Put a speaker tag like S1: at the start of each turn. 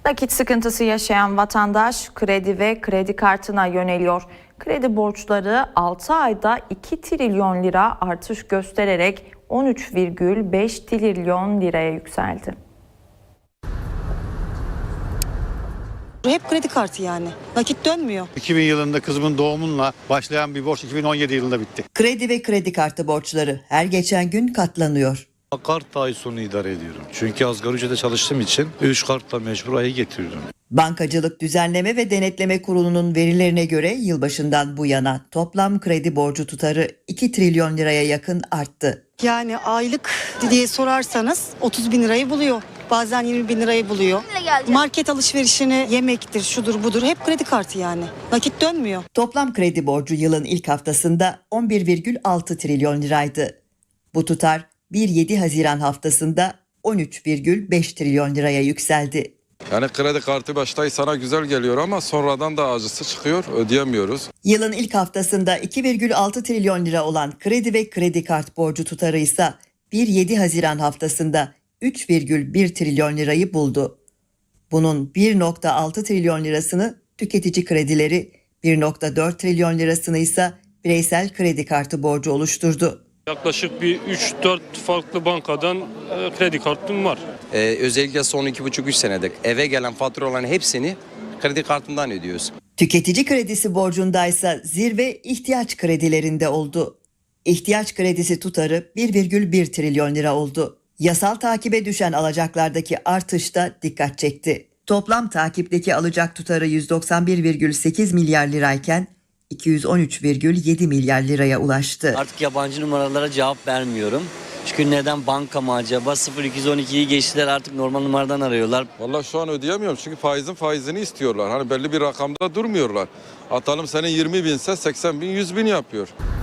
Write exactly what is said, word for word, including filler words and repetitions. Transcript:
S1: Nakit sıkıntısı yaşayan vatandaş kredi ve kredi kartına yöneliyor. Kredi borçları altı ayda iki trilyon lira artış göstererek on üç virgül beş trilyon liraya yükseldi.
S2: Hep kredi kartı yani. Nakit dönmüyor.
S3: iki bin yılında kızımın doğumunla başlayan bir borç iki bin on yedi yılında bitti.
S4: Kredi ve kredi kartı borçları her geçen gün katlanıyor.
S5: Kart ay sonu idare ediyorum. Çünkü asgari ücrete çalıştığım için üç kartla mecbur ayı getiriyorum.
S4: Bankacılık Düzenleme ve Denetleme Kurulu'nun verilerine göre yılbaşından bu yana toplam kredi borcu tutarı iki trilyon liraya yakın arttı.
S2: Yani aylık diye sorarsanız otuz bin lirayı buluyor. Bazen yirmi bin lirayı buluyor. Market alışverişini yemektir, şudur budur. Hep kredi kartı yani. Nakit dönmüyor.
S4: Toplam kredi borcu yılın ilk haftasında on bir virgül altı trilyon liraydı. Bu tutar bir yedi Haziran haftasında on üç virgül beş trilyon liraya yükseldi.
S6: Yani kredi kartı başta sana güzel geliyor ama sonradan da acısı çıkıyor, ödeyemiyoruz.
S4: Yılın ilk haftasında iki virgül altı trilyon lira olan kredi ve kredi kart borcu tutarı ise bir yedi Haziran haftasında üç virgül bir trilyon lirayı buldu. Bunun bir virgül altı trilyon lirasını tüketici kredileri, bir virgül dört trilyon lirasını ise bireysel kredi kartı borcu oluşturdu.
S7: Yaklaşık bir üç dört farklı bankadan e, kredi kartım var.
S8: Ee, özellikle son iki buçuk üç senedir eve gelen faturaların hepsini kredi kartından ödüyoruz.
S4: Tüketici kredisi borcundaysa zirve ihtiyaç kredilerinde oldu. İhtiyaç kredisi tutarı bir virgül bir trilyon lira oldu. Yasal takibe düşen alacaklardaki artış da dikkat çekti. Toplam takipteki alacak tutarı yüz doksan bir virgül sekiz milyar lirayken iki yüz on üç virgül yedi milyar liraya ulaştı.
S9: Artık yabancı numaralara cevap vermiyorum. Çünkü neden banka mı acaba? sıfır iki on ikiyi geçtiler, artık normal numaradan arıyorlar.
S6: Vallahi şu an ödeyemiyorum çünkü faizin faizini istiyorlar. Hani belli bir rakamda durmuyorlar. Atalım senin yirmi binse seksen bin yüz bin yapıyor.